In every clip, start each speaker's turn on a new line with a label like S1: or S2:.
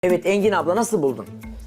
S1: Evet Engin abla nasıl buldun?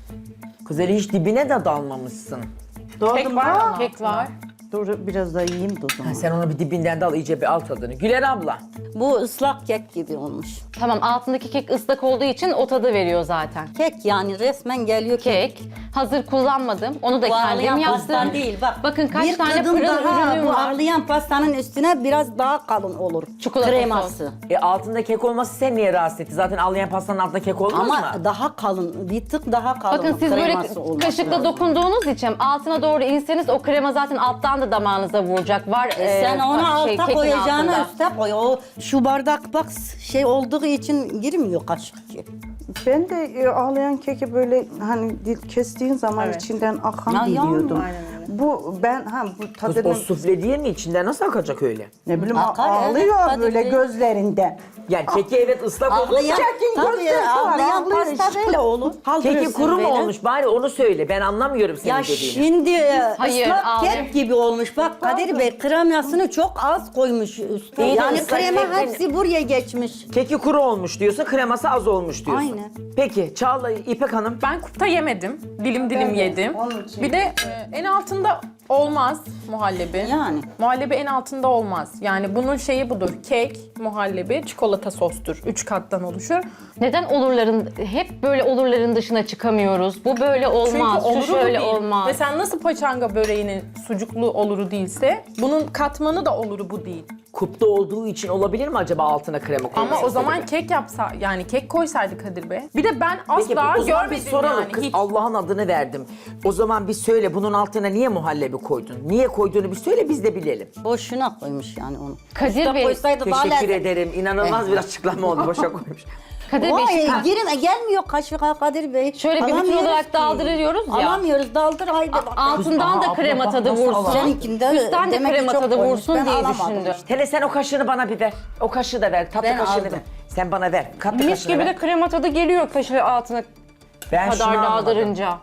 S1: Kız hele hiç dibine de dalmamışsın.
S2: Kek var mı?
S3: Kek var.
S2: Dur biraz daha yiyeyim de o zaman.
S1: Ha, sen onu bir dibinden de al iyice bir al tadını. Güler abla.
S4: Bu ıslak kek gibi olmuş.
S3: Tamam, altındaki kek ıslak olduğu için o tadı veriyor zaten.
S4: Kek yani resmen geliyor kek.
S3: Kek. Hazır kullanmadım. Onu da
S4: Bu ağlayan
S3: kendim
S4: pastan
S3: yaptım.
S4: değil bak.
S3: Bakın kaç
S4: bir
S3: tane
S4: kadın
S3: pırıl
S4: daha
S3: ürünüm
S4: bu
S3: var.
S4: ağlayan pastanın üstüne biraz daha kalın olur.
S3: Çikolata
S4: kreması.
S1: Altında kek olması seni niye rahatsız etti? Zaten ağlayan pastanın altında kek olmaz
S4: Ama
S1: mı?
S4: daha kalın, bir tık daha kalın.
S3: Bakın siz böyle
S4: kreması olması
S3: kaşıkla
S4: lazım.
S3: dokunduğunuz için altına doğru inseniz o krema zaten alttan da damağınıza vuracak. Var
S4: Sen onu alta
S3: kekin
S4: koyacağını
S3: altında.
S4: üste koy. O şu bardak bak şey olduğu için girmiyor kaşık ki.
S2: Ben de ağlayan keki böyle hani kestiğin zaman içinden akan
S4: Ya,
S2: biliyordum.
S4: aynen
S2: Bu ben bu
S1: Kız
S2: tadını
S1: o sufle değil mi? İçinden nasıl akacak öyle?
S2: ne bileyim
S4: Akar,
S2: ağlıyor
S4: evet,
S2: böyle
S4: tadı-
S2: gözlerinden.
S1: Yani keki evet ıslak olmuş.
S4: Ağlayan,
S2: Kekin
S4: tabii
S2: gözleri var,
S4: ağlayan
S2: ağlıyor
S4: pasta
S2: işte.
S4: böyle olur.
S1: Keki
S4: Kaldırırsın
S1: kuru mu
S4: böyle.
S1: olmuş? Bari onu söyle. Ben anlamıyorum senin
S4: Ya
S1: dediğini.
S4: şimdi
S3: Hayır,
S4: ıslak
S3: ağlıyor.
S4: kek gibi olmuş. Bak Kadir Bey kremasını çok az koymuş üstüne.
S1: İyi de
S4: Yani
S1: ıslak
S4: krema
S1: kek-
S4: hepsi buraya geçmiş.
S1: Keki kuru olmuş diyorsun, kreması az olmuş diyorsun.
S4: Aynen.
S1: Peki Çağla, İpek Hanım.
S5: Ben kupta yemedim. Dilim dilim yedim.
S2: onun için.
S5: Bir de en altında olmaz muhallebi.
S4: Yani.
S5: Muhallebi en altında olmaz. Yani bunun şeyi budur. Kek, muhallebi, çikolata sostur. 3 kattan oluşur.
S3: Neden olurların, hep böyle olurların dışına çıkamıyoruz? Bu böyle olmaz,
S5: Çünkü oluru
S3: şu
S5: bu
S3: şöyle
S5: değil.
S3: olmaz.
S5: Mesela nasıl paçanga böreğinin sucuklu oluru değilse, bunun katmanı da oluru bu değil.
S1: Kupta olduğu için olabilir mi acaba altına krema koyması?
S5: Ama o zaman kek yapsa, yani kek koysaydı Kadir Bey. Bir de ben
S1: Peki
S5: asla
S1: o zaman bir
S5: görmedim
S1: soralım
S5: yani.
S1: kız,
S5: Hiç.
S1: Allah'ın adını verdim. O zaman bir söyle, bunun altına niye muhallebi koydun? Niye koyduğunu bir söyle, biz de bilelim.
S4: Boşuna koymuş yani onu.
S3: Kadir
S4: Usta
S3: Bey,
S4: koysaydı daha
S1: Teşekkür
S4: lezzetli.
S1: ederim. İnanılmaz bir açıklama oldu. Boşa koymuş.
S3: Kadir Bey,
S4: Vay, girin gelmiyor kaşığa Kadir Bey.
S3: şöyle bir bütün
S4: Alamıyoruz
S3: olarak
S4: ki.
S3: daldırıyoruz ya.
S4: Alamıyoruz daldır haydi bak.
S3: Altından da
S1: Aa,
S3: krema
S1: abla,
S3: tadı
S1: bak nasıl
S3: vursun.
S4: Seninkinde
S3: Üstten de
S4: demek ki
S3: krema
S4: çok
S3: tadı
S4: koymuş.
S3: vursun
S4: Ben
S3: diye
S4: alamadım
S3: düşündüm.
S4: işte.
S1: Hele sen o kaşığını bana bir ver. O kaşığı da ver. Tatlı
S4: Ben
S1: kaşığını
S4: aldım.
S1: ver. Sen bana ver. Katlı
S3: Mis
S1: kaşığını
S3: gibi
S1: ver.
S3: de krema tadı geliyor kaşığı altına
S1: Ben şunu
S3: kadar
S1: anlamadım.
S3: daldırınca.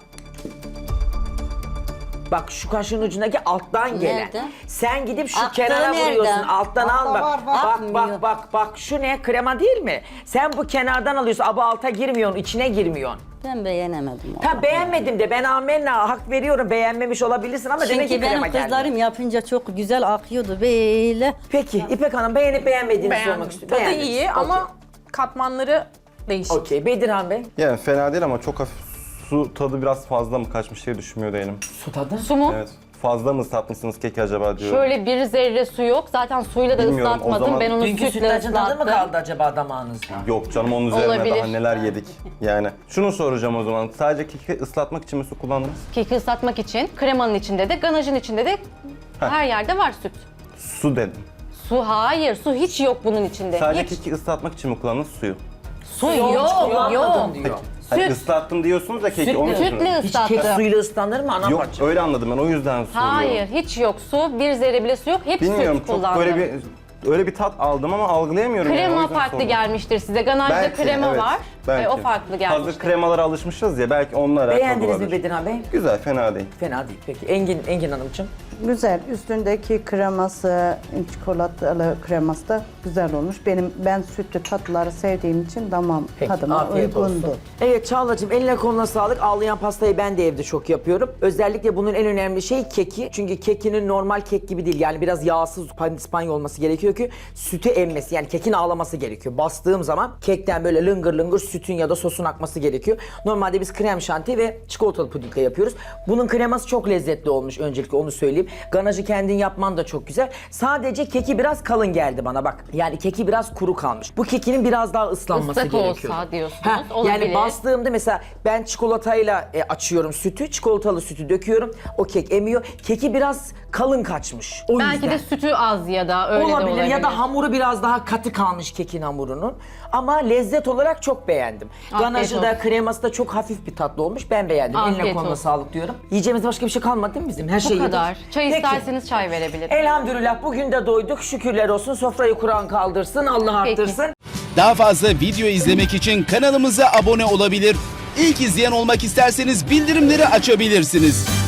S1: Bak şu kaşığın ucundaki alttan gelen.
S4: Nerede?
S1: Sen gidip şu
S4: Aktığı
S1: kenara
S4: nerede?
S1: vuruyorsun. Alttan alma.
S2: var, var.
S1: Bak
S4: Akmıyor.
S1: bak. Şu ne? Krema değil mi? Sen bu kenardan alıyorsun. Aba alta girmiyorsun. İçine girmiyorsun.
S4: Ben beğenemedim onu.
S1: Ta beğenmedim de ben amenna hak veriyorum. Beğenmemiş olabilirsin ama demek ki
S4: Çünkü
S1: krema
S4: benim
S1: geldi.
S4: kızlarım yapınca çok güzel akıyordu böyle.
S1: Peki İpek Hanım beğenip beğenmediğini
S5: Beğendim.
S1: sormak istiyorum.
S5: Tadı
S1: Beğendiniz.
S5: iyi ama katmanları değişik.
S1: Okey. Bedirhan Bey.
S6: Yani fena değil ama çok hafif su tadı biraz fazla mı kaçmış diye düşünmüyor değilim.
S1: Su tadı.
S3: Su mu?
S6: Evet. Fazla mı ıslatmışsınız keki acaba diyorum.
S3: Şöyle bir zerre su yok. Zaten suyla da
S6: Bilmiyorum, o
S3: ıslatmadım.
S6: zaman-
S3: Ben onu
S1: Dünkü
S3: sütle
S1: sütlacın tadı mı
S3: ıslattım.
S1: kaldı acaba damağınızda?
S6: Yok canım onun üzerine
S3: Olabilir.
S6: daha neler yedik. Yani şunu soracağım o zaman. Sadece keki ıslatmak için mi su kullandınız?
S3: Keki ıslatmak için kremanın içinde de, ganajın içinde de her yerde var süt.
S6: Su dedim.
S3: Su hayır, su hiç yok bunun içinde.
S6: Sadece
S3: hiç.
S6: keki ıslatmak için mi kullandınız suyu?
S3: Su yok,
S1: Kullanmadım diyor.
S6: Hayır, ıslattım diyorsunuz da keki onun için.
S3: Sütle
S1: Hiç kek
S3: ıslattım.
S1: suyla ıslanır mı ana
S6: Yok
S1: parça?
S6: öyle anladım ben o yüzden soruyorum.
S3: Hayır, hiç yok su. Bir zerre bile su yok. Hep
S6: Bilmiyorum
S3: süt
S6: çok
S3: kullandım.
S6: böyle öyle bir tat aldım ama algılayamıyorum. yani, o
S3: Krema
S6: yüzden
S3: farklı
S6: sordum.
S3: gelmiştir size. Ganajda
S6: Belki,
S3: krema
S6: evet,
S3: var.
S6: belki.
S3: O farklı gelmiştir.
S6: Hazır kremalara alışmışız ya belki onlar alakalı
S1: Beğendiniz mi
S6: olabilir.
S1: Bedirhan Bey?
S6: Güzel fena değil.
S1: Fena değil. Peki Engin Hanımcığım.
S2: Güzel. Üstündeki kreması, çikolatalı kreması da güzel olmuş. Ben sütlü tatlıları sevdiğim için damağım tadıma
S1: afiyet
S2: uygundu.
S1: olsun. Evet Çağla'cığım eline koluna sağlık. Ağlayan pastayı ben de evde çok yapıyorum. Özellikle bunun en önemli şey keki. Çünkü kekinin normal kek gibi değil. Yani biraz yağsız pandispanya olması gerekiyor ki sütü emmesi. Yani kekin ağlaması gerekiyor. Bastığım zaman kekten böyle lıngır lıngır sütün ya da sosun akması gerekiyor. Normalde biz krem şanti ve çikolatalı pudingle yapıyoruz. Bunun kreması çok lezzetli olmuş öncelikle onu söyleyeyim. Ganajı kendin yapman da çok güzel. Sadece keki biraz kalın geldi bana bak. Yani keki biraz kuru kalmış. Bu kekinin biraz daha ıslanması
S3: Islak
S1: gerekiyor.
S3: olsa diyorsunuz,
S1: Yani
S3: olabilir.
S1: bastığımda mesela ben çikolatayla açıyorum sütü. Çikolatalı sütü döküyorum. O kek emiyor. Keki biraz kalın kaçmış. O
S3: Belki
S1: yüzden.
S3: de sütü az ya da öyle de
S1: Olabilir
S3: olabilir.
S1: ya da hamuru biraz daha katı kalmış kekin hamurunun. Ama lezzet olarak çok beğendim.
S3: Afiyet
S1: Ganajı da
S3: olsun.
S1: kreması da çok hafif bir tatlı olmuş. Ben beğendim. Eline
S3: Afiyet
S1: koluna
S3: olsun.
S1: sağlık diyorum. Yiyeceğimiz başka bir şey kalmadı değil mi bizim? Her şey
S3: Bu
S1: yedik.
S3: kadar. Çay
S1: Peki.
S3: isterseniz çay verebilirim.
S1: Elhamdülillah bugün de doyduk. Şükürler olsun. Sofrayı Kur'an kaldırsın. Allah
S3: Peki.
S1: arttırsın.
S7: Daha fazla video izlemek için kanalımıza abone olabilir. İlk izleyen olmak isterseniz bildirimleri açabilirsiniz.